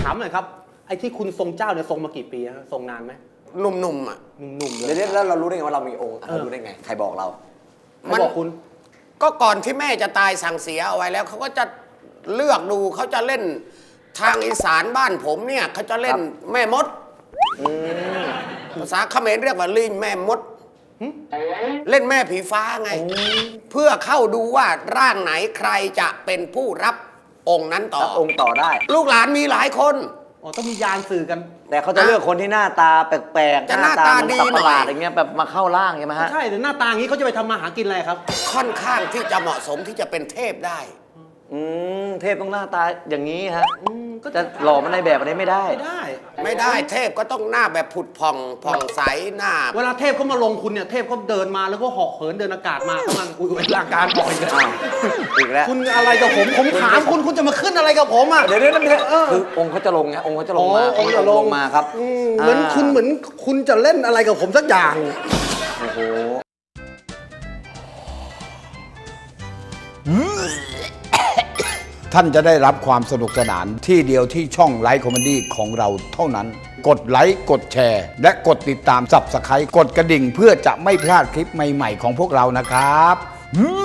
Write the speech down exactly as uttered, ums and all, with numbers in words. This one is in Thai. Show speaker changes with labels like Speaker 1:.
Speaker 1: ถามหน่อยครับไอ้ที่คุณทรงเจ้าเนี่ยทรงมากี่ปีฮะทรงนานไหม
Speaker 2: หนุ่มๆอ่ะ
Speaker 1: หนุ่มๆเลย
Speaker 3: เดี๋ยวแล้วเรารู้ได้ไงว่าเรามีองค์เรารู้ได้ไงใครบอกเรา
Speaker 1: มันบอกคุณ
Speaker 2: ก็ก่อนที่แม่จะตายสั่งเสียเอาไว้แล้วเขาก็จะเลือกดูเขาจะเล่นทางอีสานบ้านผมเนี่ยเขาจะเล่นแม่มดภาษาเขมรเรียกว่าลิงแม่มดเล่นแม่ผีฟ้าไง เพื่อเข้าดูว่าร่างไหนใครจะเป็นผู้รับองค์นั้นต่อ
Speaker 3: รับองค์ต่อได้
Speaker 2: ลูกหลานมีหลายคน
Speaker 1: อ๋อต้องมียานสื่อกัน
Speaker 3: แต่เขาจะเลือกคนที่หน้าตาแปลกๆ
Speaker 2: จะหน้าตาดี
Speaker 3: เหมือนสัตว์ประหลาด
Speaker 2: หน่อย
Speaker 3: อย่างเงี้ยแบบมาเข้าร่างใช่ไหมฮะ
Speaker 1: ใช่แต่หน้าตาอย่างนี้เขาจะไปทำมาหากินอะไรครับ
Speaker 2: ค่อนข้างที่จะเหมาะสมที่จะเป็นเทพได้
Speaker 3: อืมเทพต้องหน้าตาอย่างนี้ฮะ
Speaker 1: อืมก็
Speaker 3: จะหล่อมันในแบบอะไรไม่ได้
Speaker 1: ไม่ได้
Speaker 2: ไม่ได้เทพก็ต้องหน้าแบบผุดผ่องผ่องใสหน้า
Speaker 1: เวลาเทพเขามาลงคุณเนี่ยเทพเขาเดินมาแล้วก็เหาะเหินเดินอากาศมาเขามันอุ้ยร่างการปล่อยกัน
Speaker 3: อ้าวอีกแล้ว
Speaker 1: คุณอะไรกับผมผมถามคุณคุณจะมาขึ้นอะไรกับผมอ่ะ
Speaker 3: เดี๋ยวเดี๋ยวเดี๋ยว
Speaker 1: เออ
Speaker 3: คือองค์เขาจะลงไงองค์เขาจะลงมา
Speaker 1: อ๋อองค์จะลง
Speaker 3: มาครับ
Speaker 1: อืมเหมือนคุณเหมือนคุณจะเล่นอะไรกับผมสักอย่าง
Speaker 3: โอ้โห
Speaker 4: ท่านจะได้รับความสนุกสนานที่เดียวที่ช่องไลฟ์คอมเมดี้ของเราเท่านั้น กดไลค์กดแชร์ และกดติดตาม ซับสไครบ์ กดกระดิ่งเพื่อจะไม่พลาดคลิปใหม่ๆของพวกเรานะครับ